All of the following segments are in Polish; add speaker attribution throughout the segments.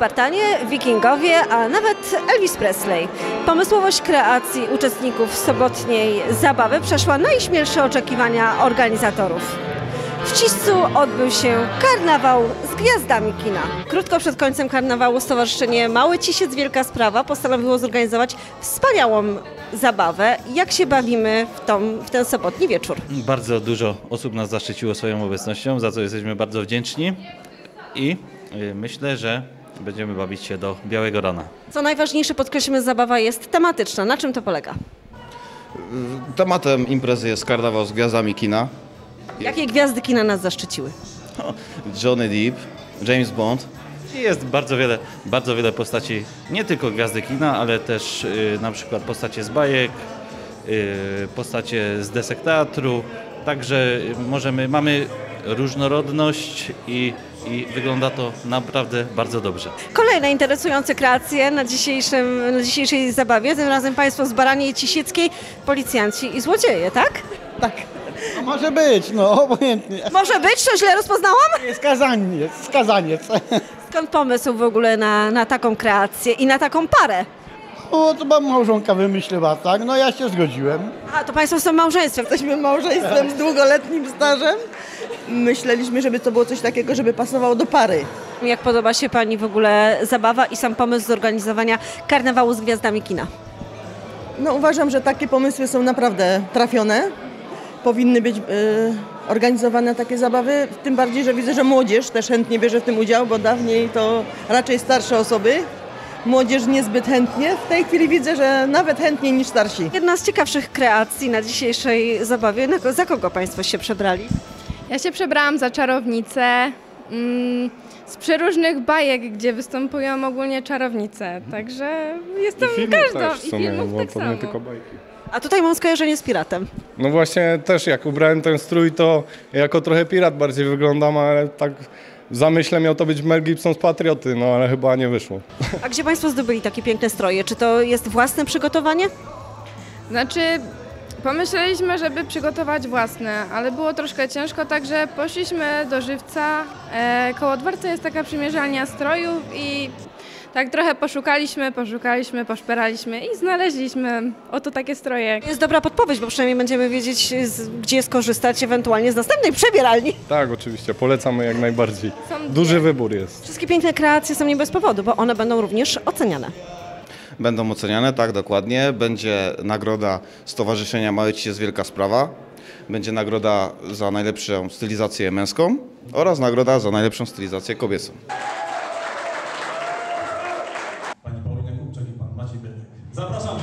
Speaker 1: Spartanie, Wikingowie, a nawet Elvis Presley. Pomysłowość kreacji uczestników sobotniej zabawy przeszła najśmielsze oczekiwania organizatorów. W Ciscu odbył się karnawał z gwiazdami kina. Krótko przed końcem karnawału Stowarzyszenie Mały Cisiec Wielka Sprawa postanowiło zorganizować wspaniałą zabawę. Jak się bawimy w ten sobotni wieczór?
Speaker 2: Bardzo dużo osób nas zaszczyciło swoją obecnością, za co jesteśmy bardzo wdzięczni i myślę, że będziemy bawić się do białego rana.
Speaker 1: Co najważniejsze, podkreślmy, zabawa jest tematyczna. Na czym to polega?
Speaker 3: Tematem imprezy jest karnawał z gwiazdami kina.
Speaker 1: Jakie gwiazdy kina nas zaszczyciły?
Speaker 3: Johnny Depp, James Bond.
Speaker 2: I jest bardzo wiele postaci, nie tylko gwiazdy kina, ale też na przykład postacie z bajek, postacie z desek teatru. Także mamy różnorodność i wygląda to naprawdę bardzo dobrze.
Speaker 1: Kolejne interesujące kreacje na dzisiejszej zabawie. Tym razem Państwo z Baraniej Cisieckiej, policjanci i złodzieje, tak?
Speaker 4: Tak. No może być, no obojętnie.
Speaker 1: Może być? To źle rozpoznałam?
Speaker 4: Skazaniec.
Speaker 1: Skąd pomysł w ogóle na taką kreację i na taką parę?
Speaker 4: O, to mam małżonka wymyśliła, tak? No ja się zgodziłem.
Speaker 1: A, to Państwo są małżeństwem.
Speaker 5: Jesteśmy małżeństwem z długoletnim stażem. Myśleliśmy, żeby to było coś takiego, żeby pasowało do pary.
Speaker 1: Jak podoba się Pani w ogóle zabawa i sam pomysł zorganizowania karnawału z gwiazdami kina?
Speaker 5: No uważam, że takie pomysły są naprawdę trafione. Powinny być organizowane takie zabawy, tym bardziej, że widzę, że młodzież też chętnie bierze w tym udział, bo dawniej to raczej starsze osoby. Młodzież niezbyt chętnie. W tej chwili widzę, że nawet chętniej niż starsi.
Speaker 1: Jedna z ciekawszych kreacji na dzisiejszej zabawie. Za kogo Państwo się przebrali?
Speaker 6: Ja się przebrałam za czarownicę z przeróżnych bajek, gdzie występują ogólnie czarownice. Także jestem każdą.
Speaker 7: I filmów tak samo. Nie tylko bajki.
Speaker 1: A tutaj mam skojarzenie z piratem.
Speaker 7: No właśnie też jak ubrałem ten strój, to jako trochę pirat bardziej wyglądam, ale tak w zamyśle miał to być Mel Gibson z Patrioty, no ale chyba nie wyszło.
Speaker 1: A gdzie Państwo zdobyli takie piękne stroje? Czy to jest własne przygotowanie?
Speaker 6: Znaczy, pomyśleliśmy, żeby przygotować własne, ale było troszkę ciężko, także poszliśmy do Żywca. Koło dworca jest taka przymierzalnia strojów i tak trochę poszukaliśmy, poszperaliśmy i znaleźliśmy oto takie stroje.
Speaker 1: To jest dobra podpowiedź, bo przynajmniej będziemy wiedzieć, gdzie skorzystać ewentualnie z następnej przebieralni.
Speaker 7: Tak, oczywiście, polecamy jak najbardziej. Duży wybór jest.
Speaker 1: Wszystkie piękne kreacje są nie bez powodu, bo one będą również oceniane.
Speaker 3: Będą oceniane, tak, dokładnie. Będzie nagroda Stowarzyszenia Mały Cisiec Wielka Sprawa. Będzie nagroda za najlepszą stylizację męską oraz nagroda za najlepszą stylizację kobiecą.
Speaker 8: Pani Paulina Kupczak i pan Maciej Bietek. Zapraszamy!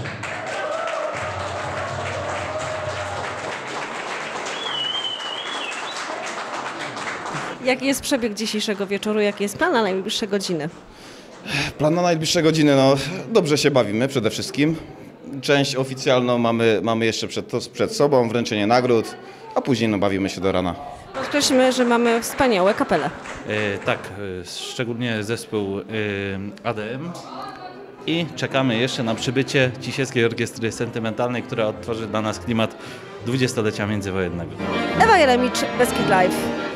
Speaker 1: Jaki jest przebieg dzisiejszego wieczoru? Jaki jest plan na najbliższe godziny?
Speaker 3: Plan na najbliższe godziny, no dobrze się bawimy przede wszystkim. Część oficjalną mamy jeszcze przed sobą, wręczenie nagród, a później no, bawimy się do rana.
Speaker 1: Podkreślmy, że mamy wspaniałe kapele.
Speaker 2: Tak, szczególnie zespół ADM i czekamy jeszcze na przybycie Cisieckiej Orkiestry Sentymentalnej, która odtworzy dla nas klimat 20-lecia międzywojennego.
Speaker 1: Ewa Jeremicz, Beskid Live.